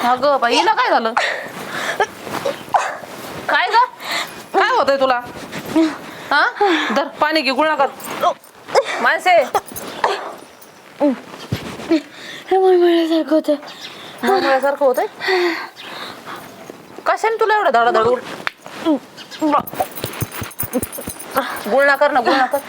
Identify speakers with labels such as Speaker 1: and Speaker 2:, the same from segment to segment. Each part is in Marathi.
Speaker 1: अगं बाई हिला काय झालं? काय ग? काय होतंय तुला? हा धर पाणी घे गुळणा कर माणसे.
Speaker 2: मळमळल्यासारखं होतं.
Speaker 1: मळमळल्यासारखं होतंय. कशाने तुला एवढं धडाधड गुळणा कर ना गुळणा कर.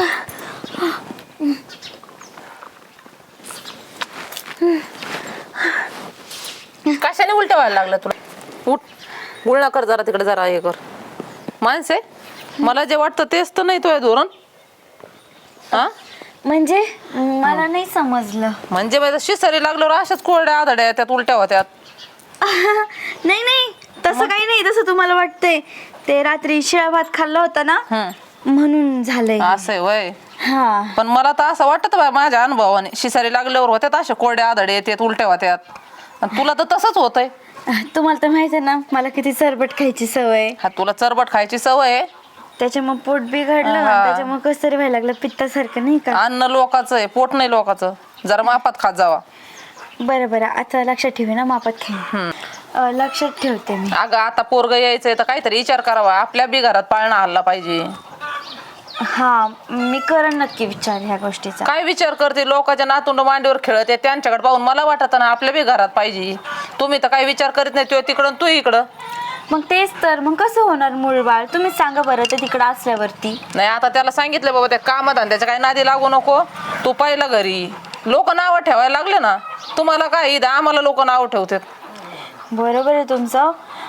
Speaker 1: कशाने उलट्या व्हायला लागलं तुला? उठ गुळणा कर जरा तिकडे जरा हे कर. माणसे मला जे वाटतं तेच तर नाही तुझ्या धोरण. हा
Speaker 2: म्हणजे मला नाही समजलं.
Speaker 1: म्हणजे माझं शिसरी लागल्यावर अशाच कोरड्या आधड्या त्यात उलट्या होत्यात.
Speaker 2: नाही नाही तसं काही नाही. तसं तुम्हाला वाटतंय. ते रात्री शिळा भात खाल्ला होता ना म्हणून झालंय.
Speaker 1: असं वय.
Speaker 2: हा
Speaker 1: पण मला तर असं वाटत बा माझ्या अनुभवाने शिसारी लागल्यावर होत्यात अशा कोरड्या आधडे येतात उलट्या होत्यात. आणि तुला तर तसंच होतंय.
Speaker 2: तुम्हाला तर माहित आहे ना मला किती चरबट खायची सवय.
Speaker 1: हा तुला चरबट खायची सवय आहे.
Speaker 2: त्याच्यामुळे पोट बिघडलं
Speaker 1: हा.
Speaker 2: त्याच्यामुळे कसं तरी व्हायला लागलं पित्तासारखं नाही का.
Speaker 1: अन्न लोकाचं आहे पोट नाही लोकाचं. जरा मापात खात जावा.
Speaker 2: बरं बरं आता लक्षात ठेवी ना मापात खेळ. लक्षात ठेवते मी.
Speaker 1: अगं आता पोरग यायचंय तर काहीतरी विचार करावा. आपल्या बी घरात पाळणा हल्ला पाहिजे.
Speaker 2: हा मी करण नक्की विचार ह्या गोष्टीचा.
Speaker 1: काय विचार करते लोकांच्या नातुंड मांडीवर खेळत आहे त्यांच्याकडे पाहून मला वाटत ना आपल्या बी घरात पाहिजे. तुम्ही तर काही विचार करीत नाही. तो तिकडं तू इकडं.
Speaker 2: मग तेच तर मग कसं होणार मूळ बाळ तुम्हीच सांगा बरं ते तिकडं असल्यावरती.
Speaker 1: नाही आता त्याला सांगितलं बाबा त्या कामधंद्याच्या काही नादी लागू नको. तू पाहिलं घरी लोक नावं ठेवायला लागले ना. तुम्हाला काय इथं आम्हाला लोक नावं ठेवतात.
Speaker 2: बरोबर आहे तुमचं.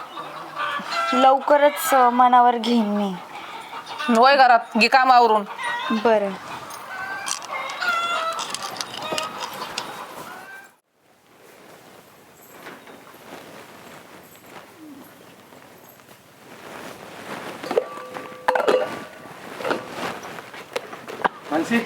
Speaker 2: लवकरच मनावर घेईन मी.
Speaker 1: वय घरात घे कामावरून.
Speaker 2: बरं
Speaker 3: मानसी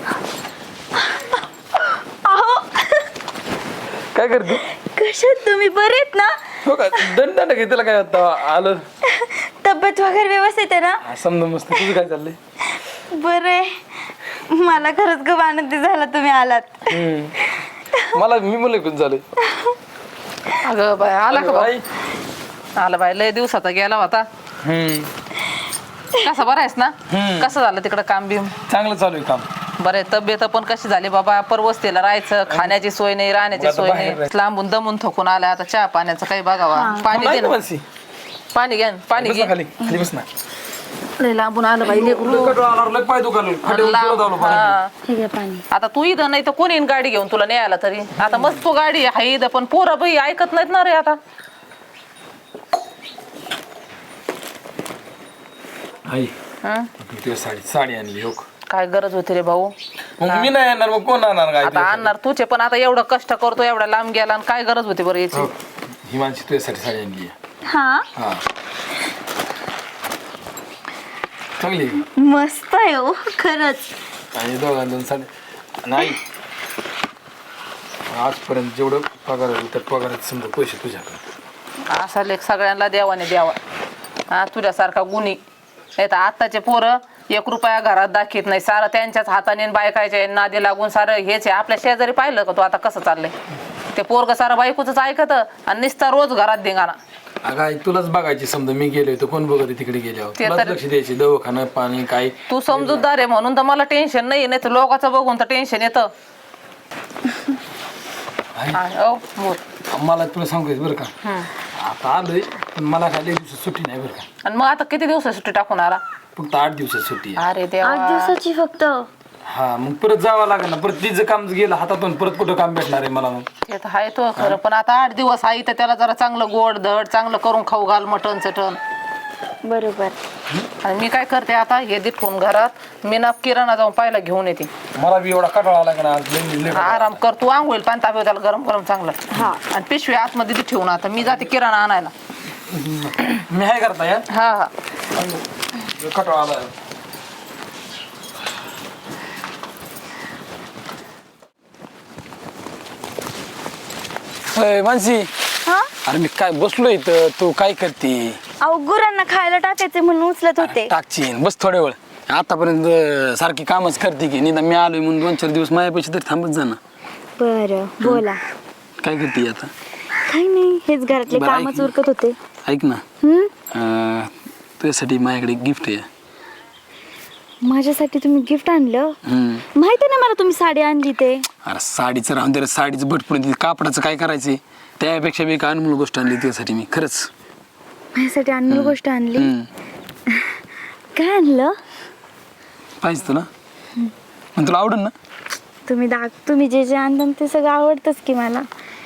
Speaker 2: अहो
Speaker 3: काय करते?
Speaker 2: कशात तुम्ही बरे आहेत ना.
Speaker 3: हो का दंड घेतला काय आता आलं.
Speaker 2: तब्येत वगैरे व्यवस्थित आहे ना.
Speaker 3: समजा मस्त. तुझं काय चाललंय?
Speaker 2: बरं आहे. मला खरंच खूप आनंदी झाला तुम्ही आलात.
Speaker 3: मला मी मुलं खूप झाले.
Speaker 1: अगं बाय आला का
Speaker 3: बाई.
Speaker 1: आला बाय लय दिवसाचा गेला होता. कसा बरा आहेस ना? कसं झालं तिकडं काम बिम?
Speaker 3: चांगलं चालू आहे काम.
Speaker 1: बरं तब्येत पण कशी झाली बाबा? परवस्तीला राहायचं खाण्याची सोय नाही राहण्याची सोय नाही. लांबून दमून थकून आला आता चहा पाण्याचं काही बघावा. पाणी दे ना.
Speaker 3: मानसी
Speaker 1: पाणी घ्या पाणी
Speaker 3: बस
Speaker 1: घे.
Speaker 3: ना खाली खाली बस ना.
Speaker 1: लय लांबून आलं बाई लेकरू.
Speaker 3: लय पाय दुखायला
Speaker 1: हा.
Speaker 2: हे घ्या पाणी.
Speaker 1: आता तू इथं नाही तर कोणी येईन गाडी घेऊन तुला न्यायला तरी. आता मस्त तू गाडी आहे इथं पण पोरं बाई ऐकत नाहीत ना रे आता.
Speaker 3: आई
Speaker 1: हं?
Speaker 3: तुझ्या साडी आणली हो.
Speaker 1: काय गरज होती रे भाऊ?
Speaker 3: मग मी नाही येणार मग कोण आणणार काय?
Speaker 1: आता आणणार तुझे पण आता एवढं कष्ट करतो एवढा लांब गेला आणि काय गरज होती बरं याची?
Speaker 3: ही माणशी तुझ्यासाठी साडी आणली.
Speaker 2: हा
Speaker 3: हा चांगली
Speaker 2: मस्त आहे हो खरंच.
Speaker 3: आणि दोघांजण साडी नाही. आजपर्यंत जेवढं पगार होईल त्या पगारात समजा पैसे तुझ्याकडे.
Speaker 1: असा लेख सगळ्यांना देवाने द्यावा. हा तुझ्यासारखा गुणी नाही तर आत्ताचे पोरं 1 रुपया घरात दाखवत नाही. सारं त्यांच्याच हाताने बायकायच्या नादी लागून सारं हेच आहे. आपल्या शेजारी पाहिलं का तू आता कसं चाललंय? ते पोरग सारं बायकोच ऐकत आणि निस्ता रोज घरात धिंगाणा.
Speaker 3: अगं आई तुलाच बघायची समजा मी गेलोय तर कोण बघत तिकडे गेल्यावर
Speaker 1: ते
Speaker 3: तुलाच
Speaker 1: तर-
Speaker 3: लक्ष द्यायचे दवाखाना पाणी काय.
Speaker 1: तू समजूतदार आहे म्हणून तर मला टेन्शन नाही. नाही तर लोकांचं बघून तर टेन्शन येतं. बोल.
Speaker 3: मला तुला सांगू बरं का आता आलोय पण मला काय लय दिवसात सुट्टी नाही बरं का.
Speaker 1: आणि मग आता किती दिवस सुट्टी टाकून आला?
Speaker 3: फक्त 8 दिवसात सुट्टी आहे.
Speaker 1: अरे
Speaker 2: 8
Speaker 1: देवा.
Speaker 2: दिवसाची फक्त.
Speaker 3: हा मग परत जावं लागेल ना. परत तिचं काम गेलं हातातून परत कुठं काम भेटणार आहे मला? मग
Speaker 1: ते तर आहे तो खरं पण आता 8 दिवस आहे तर त्याला जरा चांगलं गोड धड चांगलं करून खाऊ घाल मटण चटण.
Speaker 2: बरोबर.
Speaker 1: आणि मी काय करते आता हे दे ठेवून घरात मी ना किराणा जाऊन पाहिला घेऊन येते.
Speaker 3: मला बी एवढा कटाळा आला का ना आज लय
Speaker 1: आराम कर तू आंघोळ पाणी तापव त्याला गरम गरम चांगलं.
Speaker 2: हा
Speaker 1: आणि पिशवी आतमध्ये दे ठेवून आता मी जाते किराणा आणायला.
Speaker 3: मी आहे करता या
Speaker 1: हा हा
Speaker 3: कटाळा आला. मानसी
Speaker 2: हा
Speaker 3: अरे मी काय बसलो इथं तू काय करते?
Speaker 2: अहो गुरांना खायला टाकायचे म्हणून उचलत होते.
Speaker 3: टाकचीन बस थोड्या वेळ. आतापर्यंत सारखी कामच करते की निदान मी आलोय म्हणून 2-4 दिवस माझ्यापेक्षा तरी थांबत जा ना.
Speaker 2: बरं बोला.
Speaker 3: काय करते आता?
Speaker 2: काही नाही, हेच घरातले
Speaker 4: बरं,
Speaker 2: कामच
Speaker 4: ऐक.
Speaker 2: उरकत होते.
Speaker 4: ऐक ना, तुझ्यासाठी माझ्याकडे गिफ्ट आहे.
Speaker 2: माझ्यासाठी तुम्ही गिफ्ट आणलं? माहिती ना मला तुम्ही साडी आणली ते.
Speaker 4: अरे साडीचं राहून दे, साडीचं भटपून कापडाचं काय करायचंय, त्यापेक्षा मी एक अनमोल गोष्ट आणली तुझ्यासाठी मी, खरंच.
Speaker 2: माझ्यासाठी अनमोल गोष्ट आणली?
Speaker 4: हम्म.
Speaker 2: काय आणलं?
Speaker 4: पाहिजे तुला, मग तुला आवडेल ना?
Speaker 2: तुम्ही जे जे आणलं ते सगळं आवडतंच की मला.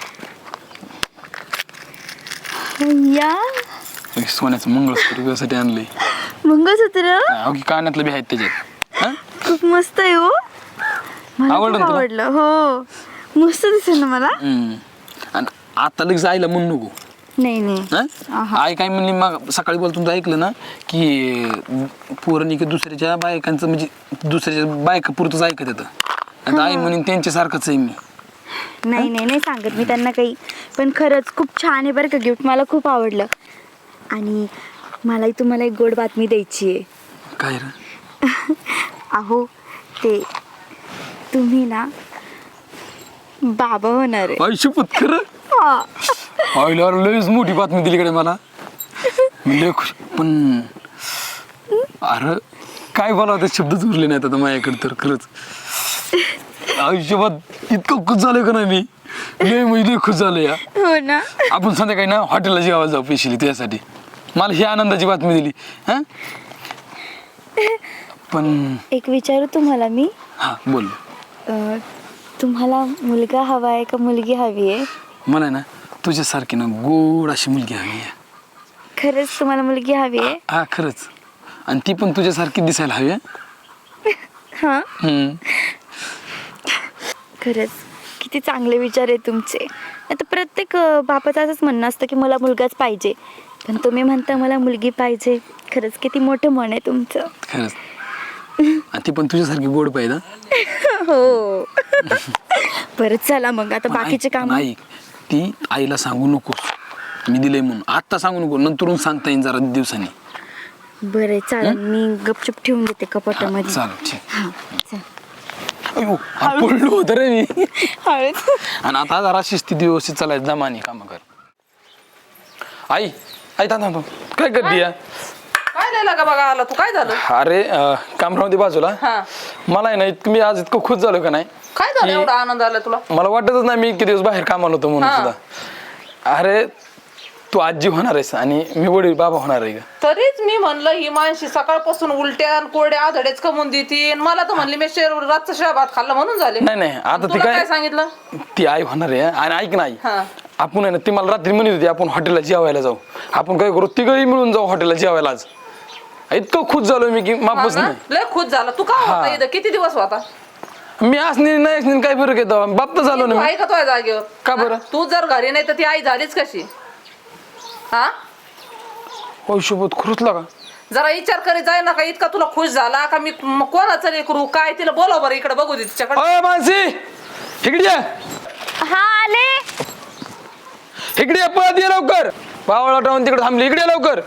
Speaker 2: या
Speaker 4: सोन्याचं मंगळसूत्र तुझ्यासाठी आणलंय.
Speaker 2: मंगळसूत्र
Speaker 4: अगदी कानातलं बी आहेत त्याच्यात. हा?
Speaker 2: खूप मस्त आहे हो. मला
Speaker 4: आवडलं
Speaker 2: खूप
Speaker 4: तुला?
Speaker 2: आवडलं. हो, मस्त दिसेल ना मला.
Speaker 4: आणि आता लगेच आईला म्हणू नको.
Speaker 2: नाही नाही.
Speaker 4: हा? आई काय म्हणली, मग सकाळी बोलतो तुमचं ऐकलं ना की पोरांनी की दुसऱ्याच्या बायकांचं म्हणजे दुसऱ्याच्या बायका पुरतच ऐकत येतं. आता आई म्हणून त्यांच्यासारखंच आहे मी.
Speaker 2: नाही नाही नाही सांगत मी त्यांना काही, पण खरंच खूप छान आहे बरं का गिफ्ट. मला खूप आवडलं. आणि मलाही तुम्हाला एक गोड बातमी द्यायची आहे.
Speaker 4: काय रे?
Speaker 2: अहो ते तुम्ही ना बाबा होणार आहे.
Speaker 4: आयुष्यपत खरं?
Speaker 2: हा.
Speaker 4: आईला लयच मोठी बातमी दिली कडे मला. मी लय खुश. पण अरे काय बोलावं, ते शब्दच उरले नाहीत आता माझ्याकडे तर. खरंच आयुष्यभर इतकं खुश झालं का नाही मी, लय म्हणजे लय खुश झालं या.
Speaker 2: हो ना.
Speaker 4: आपण संध्याकाळी ना हॉटेलला जेवायला जाऊ पेशीली त्यासाठी. मला ही आनंदाची बातमी दिली. हा पण
Speaker 2: एक विचारू तुम्हाला मी,
Speaker 4: हा बोल.
Speaker 2: तुम्हाला मुलगा हवा आहे का मुलगी हवी आहे?
Speaker 4: मला ना तुझ्यासारखी ना गोड अशी मुलगी हवी आहे.
Speaker 2: खरंच तुम्हाला मुलगी हवी आहे?
Speaker 4: हा खरंच. आणि ती पण तुझ्यासारखी दिसायला हवी आहे.
Speaker 2: हा.
Speaker 4: हम्म.
Speaker 2: खरंच किती चांगले विचार आहे तुमचे. आता प्रत्येक बापाचं असंच म्हणणं असतं की मला मुलगाच पाहिजे, पण तुम्ही म्हणता मला मुलगी पाहिजे. खरंच किती मोठं मन आहे तुमचं.
Speaker 4: खरंच. आणि ती पण तुझ्यासारखी गोड पाहिजे.
Speaker 2: हो. परत चला मग आता बाकीचे काम.
Speaker 4: नाही, ती आईला सांगू नकोस मी दिलंय म्हणून. आत्ता सांगू नको, नंतरून सांगता येईल जरा दिवसांनी.
Speaker 2: बरं चालेल, मी गपचूप ठेवून देते कपाटामध्ये.
Speaker 4: चालेल ठीक.
Speaker 2: हा चल.
Speaker 4: अयो, पडलो होतं रे मी.
Speaker 2: हळूच.
Speaker 4: आणि आता जरा शिस्तीत व्यवस्थित चालायचं, जमानी काम कर. आई आई थांब, काय करते या?
Speaker 1: काय लिहिलं का बघा आला तू, काय झालं?
Speaker 4: अरे कामरावती बाजूला.
Speaker 1: हा.
Speaker 4: मला आहे ना इतकं, मी आज इतकं खुश झालो का नाही.
Speaker 1: काय झालं एवढा आनंद आला तुला?
Speaker 4: मला वाटतच नाही मी इतके दिवस बाहेर कामाला होतो म्हणून
Speaker 1: हा.
Speaker 4: सुद्धा. अरे तू आजी होणार आहेस आणि मी वडील बाबा होणार आहे का.
Speaker 1: तरीच मी म्हणलं ही माणशी सकाळपासून उलट्या आणि कोरड्या आधडेच कमवून देते. मला तर म्हणली मी रातचं शिळा भात खाल्ला म्हणून झाले.
Speaker 4: नाही आता ती
Speaker 1: तुला
Speaker 4: काय
Speaker 1: काय सांगितलं?
Speaker 4: ती आई होणार आहे. आणि ऐक नाही,
Speaker 1: हा.
Speaker 4: आपण आहे ना, ती मला रात्री म्हणत होती आपण हॉटेलला जेवायला जाऊ. आपण काय करू, तिघही मिळून जाऊ हॉटेलला जेवायला आज. इतकं खुश झालो मी की माफच
Speaker 1: हा ना?
Speaker 4: नाही.
Speaker 1: लय खुश झाला तू. का होता इथं? किती दिवस होता?
Speaker 4: मी असणे नाही असणे काय फरक येतो, बाप तर झालो ना
Speaker 1: तू
Speaker 4: मी.
Speaker 1: आहे का तुझ्या जागेवर?
Speaker 4: का बरं?
Speaker 1: हा? तू जर घरी नाही तर ती आई झालीच कशी? हा,
Speaker 4: आयुष्यभर खुरचला का?
Speaker 1: जरा विचार करीत जाय ना. का इतका तुला खुश झाला का मी कोणाचं नाही करू काय? तिला बोलाव बरं इकडे, बघू दे तिच्याकडे.
Speaker 4: अय मानसी, इकडे ये.
Speaker 2: हा आले.
Speaker 4: इकडे ये, पळत ये लवकर. पावळा टावून तिकडे थांबली, इकडे ये लवकर.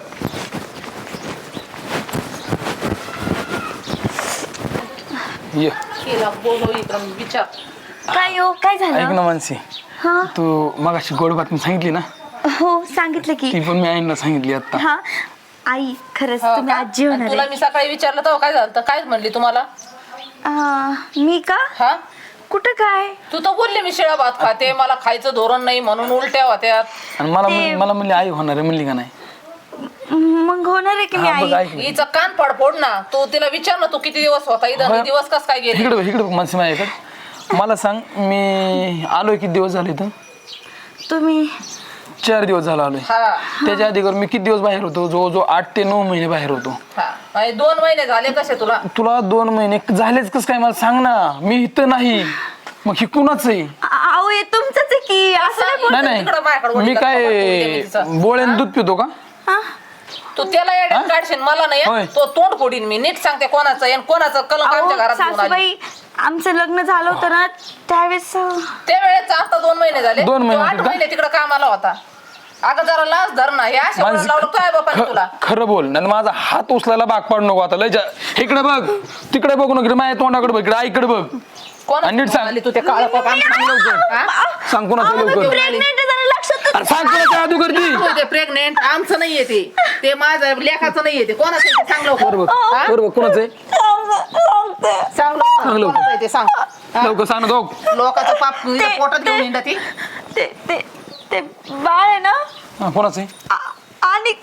Speaker 4: ये.
Speaker 1: तिला बोलव इकडं, विचार.
Speaker 2: काय हो, काय
Speaker 4: ऐक
Speaker 2: झालं?
Speaker 4: ना मानसी,
Speaker 2: हा.
Speaker 4: तू मगाशी गोड बातमी सांगितली ना,
Speaker 2: हो सांगितलं की.
Speaker 4: ती पण मी आईंना सांगितली आता.
Speaker 2: हा आई, खरंच
Speaker 1: हो
Speaker 2: तुम्ही
Speaker 1: का?
Speaker 2: आजी
Speaker 1: आणि
Speaker 2: होणार
Speaker 1: तुला
Speaker 2: आहे.
Speaker 1: मी सकाळी विचारलं तेव्हा काय झालं? काय म्हणली तुम्हाला?
Speaker 2: मी का?
Speaker 1: हा,
Speaker 2: कुठं काय?
Speaker 1: तू तर बोलली मी शिळा भात खाते, मला खायचं धोरण नाही म्हणून उलट्या होत्या.
Speaker 4: आणि मला म्हणली आई होणार आहे, म्हणली का नाही?
Speaker 2: मग होणार आहे की मी
Speaker 4: हा, बघ,
Speaker 2: आई.
Speaker 4: ऐक.
Speaker 1: हिचं कान पडफोड ना. तू तिला विचार ना, तू किती दिवस होता इथं आणि दिवस कस काय गेले?
Speaker 4: इकडे इकडे मानसी माझ्याकडे. मला सांग, मी आलोय किती दिवस झाले इथं?
Speaker 2: तुम्ही
Speaker 4: 4 दिवस झाला आलोय.
Speaker 1: हा
Speaker 4: त्याच्या आधी मी किती दिवस बाहेर होतो? जवळजवळ 8 ते 9 महिने बाहेर होतो.
Speaker 1: हा. आणि 2 महिने झाले कसे तुला?
Speaker 4: तुला 2 महिने झालेच कस काय मला सांग ना. मी इथं नाही, मग हे कुणाच आहे?
Speaker 2: आओ हे तुमचंच आहे की. असं नाही
Speaker 4: नाही
Speaker 1: तिकडं माझ्याकडे
Speaker 4: नाही, मी
Speaker 1: वडील
Speaker 4: काय
Speaker 1: तिचा.
Speaker 4: बोळ्यानं दूध पितो का?
Speaker 2: हा?
Speaker 1: तू त्याला येड्यात काढशील, मला नाही
Speaker 4: होय.
Speaker 1: हं? तो तोंड फोडीन मी. नीट सांगते कोणाचं आहे आणि कोणाचं कलंक आमच्या
Speaker 2: अहो,
Speaker 1: घरात घेऊन आली.
Speaker 2: सासूबाई आमचं लग्न झालं होतं ना त्यावेळेस.
Speaker 1: त्यावेळेस आता 2 महिने झाले.
Speaker 4: 2 महिने
Speaker 1: 8
Speaker 4: का?
Speaker 1: महिने तिकडे कामाला होता. अगं जरा लाज धर ना. हे अशा
Speaker 4: माणसं-
Speaker 1: लावलं काय बापाने तुला?
Speaker 4: खरं बोल, नाही माझा हात उचलायला भाग पाडू नको आता. लय इकडे बघ, तिकडे बघू नको, माझ्या तोंडाकडे बघ, इकडे आईकडे बघ.
Speaker 1: कोण
Speaker 4: आणि नीट सांग.
Speaker 1: तू ते काळं पाप आमचं सांग लवकर. हा?
Speaker 4: सांग कोणाचं लवकर.
Speaker 2: प्रेग्नेंट जरा लक्षात.
Speaker 4: सांग कोणाच्या अगोदर ती
Speaker 1: ते प्रेग्नेंट आमचं नाहीये ते माझं लेखाचं नाहीये ते कोणाचं आहे ते सांग लवकर. हा?
Speaker 4: बरोबर कोणाचं आहे
Speaker 1: सांग लवकर.
Speaker 4: सांग लवकर.
Speaker 1: कोणाचं आहे ते सांग. हा?
Speaker 4: लवकर सांग ना जाऊ.
Speaker 1: लोकांचं पाप इथं पोटात घेऊन येणार ती.
Speaker 2: ते ते ते बाळ आहे ना
Speaker 4: कोणाचं आहे
Speaker 2: आणि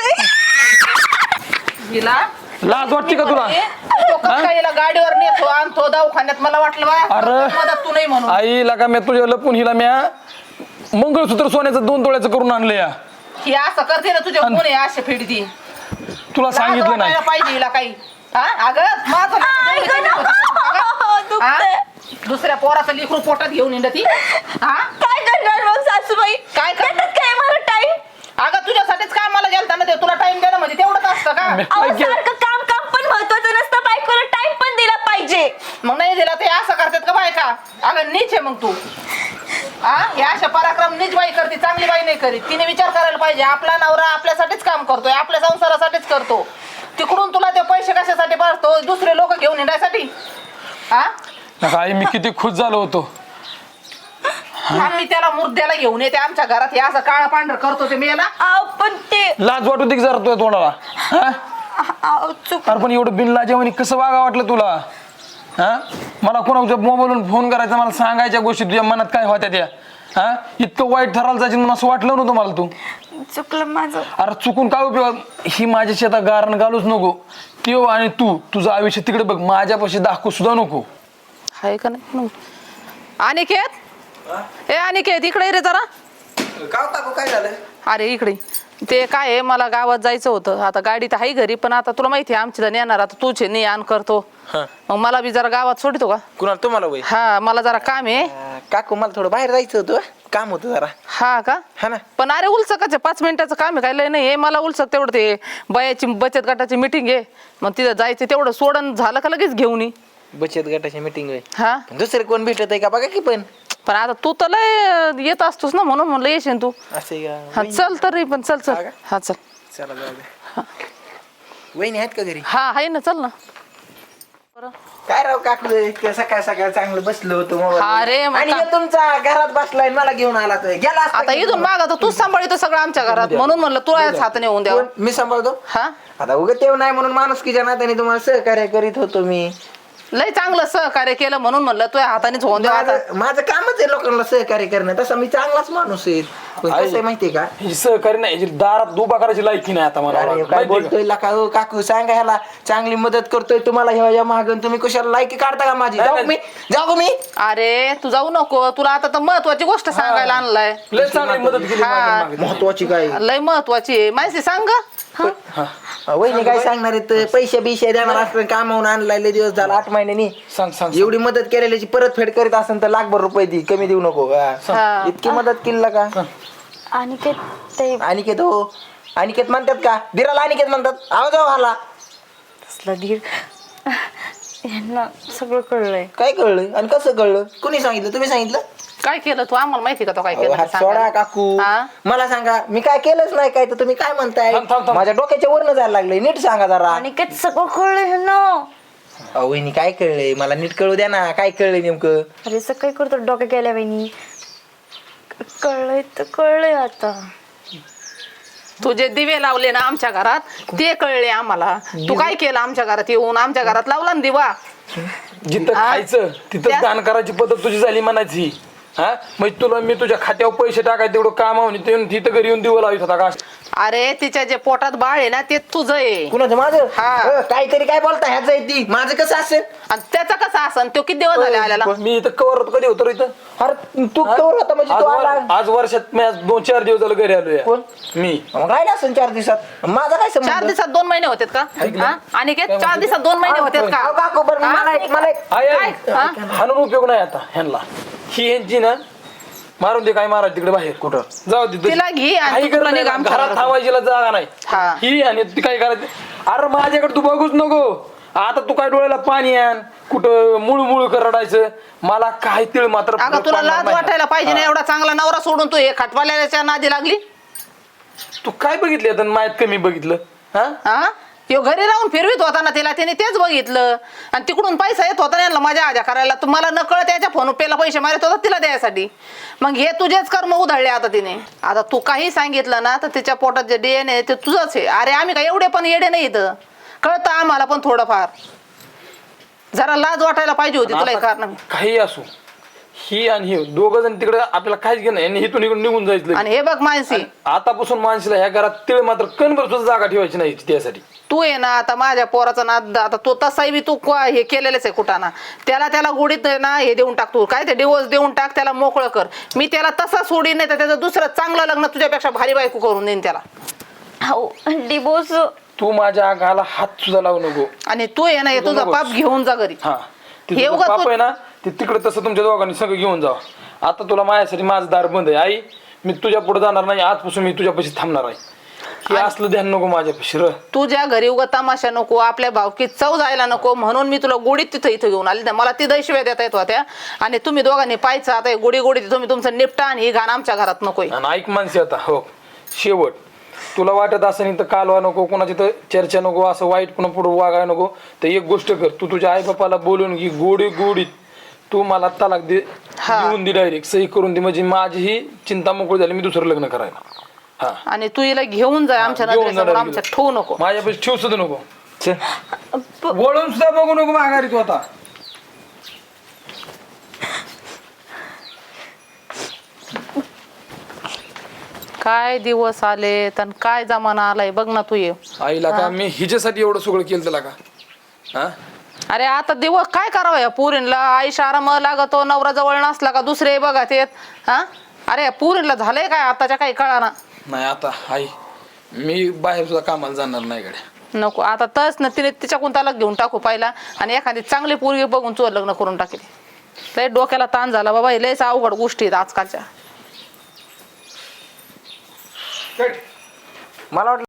Speaker 1: हिला
Speaker 4: लाज वाटते का तुला
Speaker 1: तो कसं काय हिला गाडीवर नेतो आणतो दवाखान्यात मला वाटलं बा
Speaker 4: अरे.
Speaker 1: मदत तू नाही म्हणून.
Speaker 4: आईला का मी तुझ्या लपून हिला म्या मंगळसूत्र सोन्याचं 2 तोळ्याचं करून आणलं या
Speaker 1: ही असं करते ना तुझ्या कोण आहे अशा फिडती
Speaker 4: तुला सांगितलं नाही
Speaker 1: पाहिजे हिला काही. हा अगं माझं हा? दुसऱ्या पोराचं लेकरू पोटात घेऊन येणार ती. हा
Speaker 2: काय करणार मग सासूबाई
Speaker 1: काय करणार?
Speaker 2: काय मला टाइम
Speaker 1: अगं तुझ्यासाठीच कामाला गेलता ना ते तुला टाइम देणं म्हणजे तेवढंच असतं का?
Speaker 2: सारखं काम काम पण महत्वाचं नसतं बायकोला टाइम पण दिला पाहिजे.
Speaker 1: मग नाही दिला ते असं करतात का बायका? अगं नीच आहे मग तू. हा या अशा पराक्रम नीच बाई करते चांगली बाई नाही करीत. तिने विचार करायला पाहिजे आपला नवरा आपल्यासाठीच काम करतोय आपल्या संसारासाठीच करतो. तिकडून तुला ते पैसे कशासाठी पाठतो दुसरे लोक घेऊन येण्यासाठी. हा
Speaker 4: आई मी किती खुश झालो होतो
Speaker 1: आम्ही त्याला मुर्द्याला घेऊन येते आमच्या घरात हे असं काळा पांढर करतो ते मेला.
Speaker 2: पण ते
Speaker 4: लाज वाटू दे की जरा तुझ्या तोंडाला हा?
Speaker 2: चुक
Speaker 4: अरे पण एवढं बिनलाजेवानी कसं वागा वाटलं तुला हा मला कोणाच्या मोबाईलवरून फोन करायचा मला सांगायच्या गोष्टी तुझ्या मनात काय होत्या त्या हा इतकं वाईट ठरायला जायचं म्हणून असं वाटलं नव्हतं मला तू
Speaker 2: चुकलं माझं.
Speaker 4: अरे चुकून काय उपयोग ही माझ्या शेतात गारण घालूच नको त्यो आणि तू तुझं आयुष्य तिकडे बघ माझ्यापाशी दाखवू सुद्धा नको
Speaker 1: आहे का नाही. अनिकेत ए अनिकेत इकडे ये रे जरा.
Speaker 5: काय झालं?
Speaker 1: अरे इकडे ते काय आहे मला गावात जायचं होतं आता गाडी तर आहे घरी पण आता तुला माहिती आहे आमची जण येणार आता तूच आहे ने आण करतो मग मला बी जरा गावात सोडतो का?
Speaker 5: कुणाला तुम्हाला वय
Speaker 1: हा मला जरा काम आहे.
Speaker 5: काकू मला थोडं बाहेर जायचं होतं काम होतं जरा.
Speaker 1: हा का
Speaker 5: हा ना.
Speaker 1: पण अरे उलसकाचे 5 मिनिटाचं काम आहे काय लय नाही मला उलसक तेवढं ते बयाची बचत गटाची मिटिंग आहे मग तिथं जायचं तेवढं सोडून झालं का लगेच घेऊन ये.
Speaker 5: बचत गटाची मीटिंग होय.
Speaker 1: हा
Speaker 5: दुसरे कोण भेटत आहे का बघा की पण
Speaker 1: आता तू तर लय येत असतोस ना म्हणून म्हणलं येशील तू.
Speaker 5: असे
Speaker 1: हा चल तरी पण चल
Speaker 5: हा
Speaker 1: चल
Speaker 5: का?
Speaker 1: हा चल.
Speaker 5: चला जाऊ दे. वहिनी आहेत का घरी?
Speaker 1: हा आहे ना चल ना.
Speaker 5: काय राव काकू सकाळ सकाळ चांगलं बसलो होतो
Speaker 1: हा रे, मग
Speaker 5: आणि
Speaker 1: का-
Speaker 5: हे तुमचा घरात बसलाय मला घेऊन आला तो गेला असता
Speaker 1: आता
Speaker 5: की
Speaker 1: इथून मागा तर तूच सांभाळतो सगळं आमच्या घरात म्हणून म्हणलं तुला हाताने होऊन द्यावं.
Speaker 5: कोण? मी सांभाळतो.
Speaker 1: हा
Speaker 5: आता उगा तेव नाही म्हणून माणुसकीच्या नात्याने तुम्हाला सहकार्य करीत होतो मी.
Speaker 1: लय चांगलं सहकार्य केलं म्हणून म्हणलं तुझ्या हातानेच होऊन द्यावं आता.
Speaker 5: माझं कामच आहे लोकांना सहकार्य करणं तसं मी चांगलाच माणूस आहे पण कसं आहे माहितीये का
Speaker 4: ही सहकारी नाही हिची दारात उभा करायची लायकी नाही आता मला
Speaker 5: अरे काय
Speaker 4: माहिती आहे का?
Speaker 5: बोलतोय लका हो काकू सांगा ह्याला चांगली मदत करतोय तुम्हाला ह्या मागून तुम्ही कशाला लायकी काढता का माझी जाऊ का मी
Speaker 1: अरे तू जाऊ नको तुला आता तर महत्वाची गोष्ट सांगायला आणलाय.
Speaker 4: लय चांगली मदत केली
Speaker 1: हा.
Speaker 4: माझ्या मागे.
Speaker 5: महत्वाची काय
Speaker 1: लय महत्वाची आहे माहिती सांग ग.
Speaker 5: वहिनी काय सांगणार आहेत पैसे बिशे देणार असलं कामावून आणलाय लय दिवस झाला 8 महिन्यांनी
Speaker 4: सांग सांग
Speaker 5: एवढी मदत केलेल्याची परतफेड करीत असेल तर लाखभर रुपये दे कमी देऊ नको
Speaker 1: हा.
Speaker 5: इतकी मदत केली का
Speaker 2: आणि ते ते
Speaker 5: अनिकेत हो अनिकेत म्हणतात का दिराला अनिकेत म्हणतात आवाज आला
Speaker 2: कसला धीर यांना सगळं कळलंय.
Speaker 5: काय कळलं आणि कसं कळलं कुणी सांगितलं तुम्ही सांगितलं
Speaker 1: काय केलं तू आम्हाला माहिती का तो काय
Speaker 5: अहो,
Speaker 1: केलं
Speaker 5: हात
Speaker 1: ते
Speaker 5: सोडा
Speaker 1: सांगायला.
Speaker 5: काकू
Speaker 1: हा?
Speaker 5: मला सांगा मी काय केलंच नाही काय तर तुम्ही काय म्हणताय
Speaker 4: थांब, थांब, थांब.
Speaker 5: माझ्या डोक्याच्या वरनं जायला लागलंय नीट सांगा जरा
Speaker 2: आणि काय सगळं कळलंय ह्यांना.
Speaker 5: अहो वहिनी काय कळलंय मला नीट कळू द्या ना काय कळलंय नेमकं
Speaker 2: अरे सकाळी करतो डोक्या केल्या वहिनी कळलंय तर कळलंय आता.
Speaker 1: तुझे दिवे लावले ना आमच्या घरात ते कळले आम्हाला. तू काय केलं आमच्या घरात येऊन आमच्या घरात लावला ना दिवा.
Speaker 4: जिथं
Speaker 1: हा?
Speaker 4: खायचं तिथं
Speaker 1: त्या-
Speaker 4: दान करायची पद्धत तुझी झाली म्हणायची हा म्हणजे तुला मी तुझ्या खात्यावर पैसे टाकाय तेवढं काम आहे तिथं घरी येऊन दिवं लावित होता का
Speaker 1: अरे तिच्या जे पोटात बाळ आहे ना ते तुझं आहे
Speaker 5: कुणाचं माझं
Speaker 1: हा.
Speaker 5: काहीतरी काय बोलता ह्याच आहे ती माझं कसं असेल
Speaker 1: आणि त्याचा कसा असन तो किती दिवस झाले आल्याला.
Speaker 4: मी इथं कवर होतो कधी होतो रे इथं
Speaker 5: अरे तू कवर होता म्हणजे तू आला
Speaker 4: आज वर्षात मी आज 2-4 दिवस झालं घरी आलोय
Speaker 5: कोण?
Speaker 4: मी
Speaker 5: मग राहिला असेल 4 दिवसात माझा काय
Speaker 1: 4
Speaker 5: संबंध
Speaker 1: दिवसात 2 महिने होते का हा? आणि 4 दिवसात 2 महिने होते
Speaker 5: अहो,
Speaker 1: का.
Speaker 5: काकू बरं
Speaker 1: हा?
Speaker 5: मला एक
Speaker 4: आई, आई,
Speaker 1: काय? हा?
Speaker 4: हाणून उपयोग नाही आता ह्यांना ही ह्यांची ना मारून दे काय मारा तिकडे बाहेर कुठं जाऊ दे
Speaker 1: तिला घे आणि
Speaker 4: काही
Speaker 1: तू तुला
Speaker 4: गरज नाही,
Speaker 1: निघ आमच्या
Speaker 4: घरात
Speaker 1: घरात.
Speaker 4: थांबायचीला जागा नाही
Speaker 1: हा.
Speaker 4: ही आणि ती काय करायचं अरे माझ्याकडे तू बघूच नको आता तू काय डोळ्याला पाणी आण कुठं मुळू कर रडायचं मला काय तिळ मात्र
Speaker 1: अगं
Speaker 4: फरक
Speaker 1: तुला
Speaker 4: पडणार
Speaker 1: लाज
Speaker 4: नाही.
Speaker 1: वाटायला पाहिजे ना एवढा चांगला नवरा सोडून तू हे खटवाल्याच्या नादी लागली.
Speaker 4: तू काय बघितलं आता मायात कमी बघितलं हा
Speaker 1: हा तो घरी राहून फिरवीत होता ना तिला, तिने तेच बघितलं आणि तिकडून पैसा येत होता यांना मजा आजा करायला. तुम्हाला नकळत त्याच्या फोन पेला पैसे मारत होता तिला द्यायसाठी. मग हे तुझेच कर्म उधळले आता तिने. आता तू काही सांगितलं ना तर तिच्या पोटात जे DNA ते तुझंच आहे. अरे आम्ही काय एवढे पण येडे नाही इथं, कळतं आम्हाला पण थोडंफार. जरा लाज वाटायला पाहिजे होती तुला हे कारण.
Speaker 3: काही असो, ही आणि हे दोघं जण तिकडे आपल्याला काहीच घेणं नाही. यांनी इथून इकडून निघून जायचं.
Speaker 1: आणि हे बघ मानसी,
Speaker 3: आतापासून माणसाला ह्या घरात तिळ मात्र कणभर सुद्धा जागा ठेवायची नाही त्यासाठी.
Speaker 1: तू आहे ना आता माझ्या पोराचा नाद, आता तो तसाही बी तू हे केलेलंच आहे कुठाना. त्याला गोडीत ना हे देऊन टाक, तू काय ते डिवोर्स देऊन टाक, त्याला मोकळं कर. मी त्याला तसा सोडीन नाही तर त्याचं दुसरं चांगलं लग्न तुझ्यापेक्षा भारी बायको करून देईन त्याला.
Speaker 2: हो डिवोर्स.
Speaker 3: तू माझ्या अंगाला हात सुद्धा लावू नको.
Speaker 1: आणि तू आहे ना हे तुझा पाप घेऊन जा घरी.
Speaker 3: हा, ते
Speaker 1: हे
Speaker 3: तुझं
Speaker 1: उगाच
Speaker 3: पाप
Speaker 1: तू-
Speaker 3: आहे ना, ते तिकडे तसं तुमच्या दोघांनी सगळं घेऊन जावा. आता तुला माझ्यासाठी माझं दार बंद आहे. आई, मी तुझ्या पुढे जाणार नाही. आजपासून मी तुझ्यापाशी थांबणार आहे. हे असलं ध्यान नको माझ्यापाशी.
Speaker 1: तुझ्या घरी उगा तमाशा नको, आपल्या भावकीत चव जायला नको, म्हणून मी तुला गोडीत तिथं इथं घेऊन आली. मला ती दैशिव्या देता येत होत्या. आणि तुम्ही दोघांनी पाहायचं आता गोडी गोडी तुम्ही तुमचं निपटा आणि ही घाण आमच्या घरात नकोय.
Speaker 3: आणि ऐक माणसे, आता हो शेवट, तुला वाटत असं नाही तर कालवा नको, कोणाची तर चर्चा नको, असं वाईट पुन्हा पुढे वागाय नको. तर एक गोष्ट कर, तू तुझ्या आई बापाला बोलून घे गोडीत. तू मला तलाक दे, देऊन दे, डायरेक्ट सही करून दे. म्हणजे माझी ही चिंता मोकळी झाली, मी दुसरं लग्न करायला. हा,
Speaker 1: आणि तू हिला घेऊन जा आमच्या
Speaker 3: घेऊन
Speaker 1: नजरेसमोर,
Speaker 3: जाणार
Speaker 1: आमच्या ठेवू नको.
Speaker 3: माझ्यापाशी ठेवू सुद्धा नको. वळून सुद्धा बघू नको माघारी तू आता.
Speaker 1: काय दिवस आले तर काय जमाना आलाय बघ ना तू. ये
Speaker 3: आईला का मी हिच्यासाठी एवढं सगळं केलं त्याला का? हा,
Speaker 1: अरे आता दिवस काय करावं या पुरीला. आईशा आराम लागतो, नवरा जवळ नसला का दुसरे बघा ते. हा, अरे पुरीला झालंय काय आताच्या काही कळाना.
Speaker 3: नाही आता आई, मी बाहेर सुद्धा कामाला जाणार नाही गड्या.
Speaker 1: नको आता तस ना, तिने तिच्याकडून त्याला घेऊन टाकू पाहिला आणि एखादी चांगली पोरगी बघून चोर लग्न करून टाकेल. लय डोक्याला ताण झाला बाबा, हे लयच अवघड गोष्टी आहेत आजकालच्या.
Speaker 5: मला वाटलं